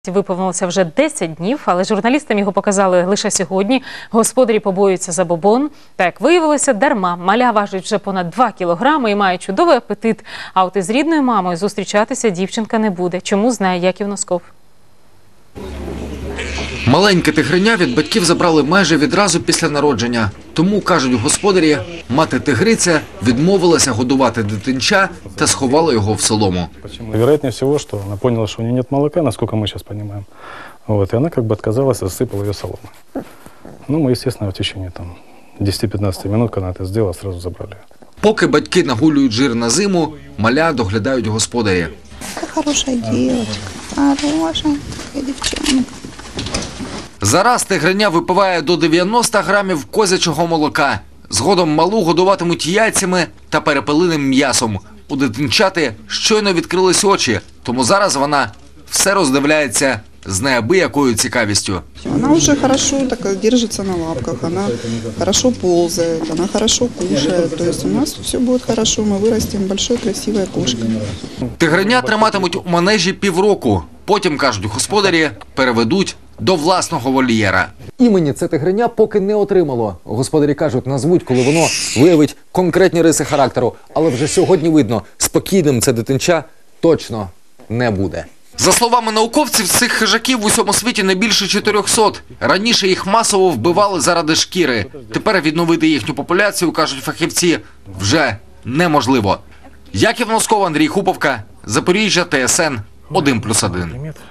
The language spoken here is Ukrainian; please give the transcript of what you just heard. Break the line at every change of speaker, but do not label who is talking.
Виповнилося вже 10 днів, але журналістам його показали лише сьогодні. Господарі побоюються забобон. Та, як виявилося, дарма. Маля важить вже понад 2 кілограми і має чудовий апетит. А от із рідною мамою зустрічатися дівчинка не буде. Чому, знає Яків Носков.
Маленьке тигриня від батьків забрали майже відразу після народження. Тому, кажуть господарі, мати тигриця відмовилася годувати дитинча та сховала його в солому.
Вероятнее всего, что она поняла, что у нее нет молока, насколько мы сейчас понимаем. Вот, и она как бы отказалась, засыпала ее соломой. Ну, мы, естественно, в течение 10-15 минут, когда она это сделала, сразу забрали.
Поки батьки нагулюють жир на зиму, маля доглядають господарі.
Хорошая девочка, хорошая девчонка.
Зараз тигриня випиває до 90 грамів козячого молока. Згодом малу годуватимуть яйцями та перепелиним м'ясом. У дитинчати щойно відкрились очі, тому зараз вона все роздивляється з неабиякою цікавістю.
Она уже хорошо так держится на лапках, она хорошо ползает, она хорошо кушает. То есть у нас все будет хорошо, мы вырастим большой красивой кошкой.
Тигриня триматимуть у манежі півроку. Потім, кажуть господарі, переведуть до власного вольєра.
Імені це тигриня поки не отримало. Господарі кажуть, назвуть, коли воно виявить конкретні риси характеру. Але вже сьогодні видно, спокійним це дитинча точно не буде.
За словами науковців, цих хижаків в усьому світі не більше 400. Раніше їх масово вбивали заради шкіри. Тепер відновити їхню популяцію, кажуть фахівці, вже неможливо. Яків Носков, Андрій Хуповка, Запоріжжя, ТСН 1+1.